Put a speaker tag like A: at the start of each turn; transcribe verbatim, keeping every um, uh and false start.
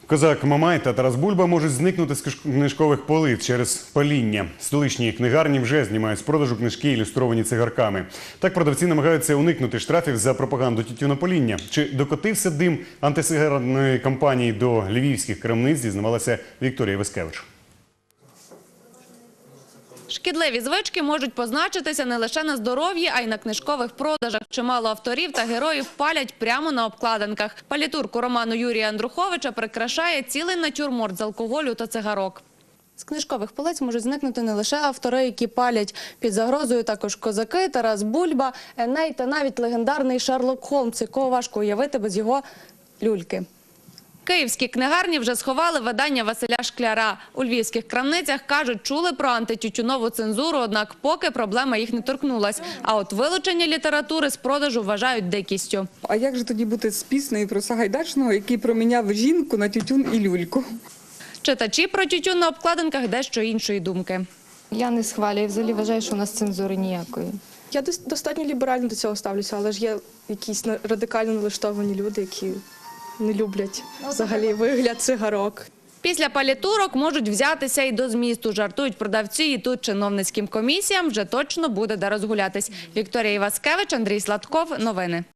A: Козак Мамай та Тарас Бульба можуть зникнути з книжкових полиць через паління. Столичні книгарні вже знімають з продажу книжки, ілюстровані цигарками. Так продавці намагаються уникнути штрафів за пропаганду тютюнопаління. Чи докотився дим антисигаретної кампанії до львівських крамниць, дізнавалася Вікторія Васкевич.
B: Шкідливі звички можуть позначитися не лише на здоров'ї, а й на книжкових продажах. Чимало авторів та героїв палять прямо на обкладинках. Палітурку роману Юрія Андруховича прикрашає цілий натюрморт з алкоголю та цигарок. З книжкових полиць можуть зникнути не лише автори, які палять. Під загрозою також козаки, Тарас Бульба, Еней та навіть легендарний Шерлок Холмс, якого важко уявити без його люльки. Київські книгарні вже сховали видання Василя Шкляра. У львівських крамницях, кажуть, чули про антитютюнову цензуру, однак поки проблема їх не торкнулась. А от вилучення літератури з продажу вважають дикістю.
C: А як же тоді бути з піснею про Сагайдачного, який проміняв жінку на тютюн і люльку?
B: Читачі про тютюн на обкладинках дещо іншої думки.
D: Я не схвалюю, взагалі вважаю, що у нас цензури ніякої.
E: Я достатньо ліберально до цього ставлюся, але ж є якісь радикально налаштовані люди, які не люблять взагалі вигляд цигарок.
B: Після палітурок можуть взятися і до змісту. Жартують продавці, і тут чиновницьким комісіям вже точно буде де розгулятись. Вікторія Іваскевич, Андрій Сладков. Новини.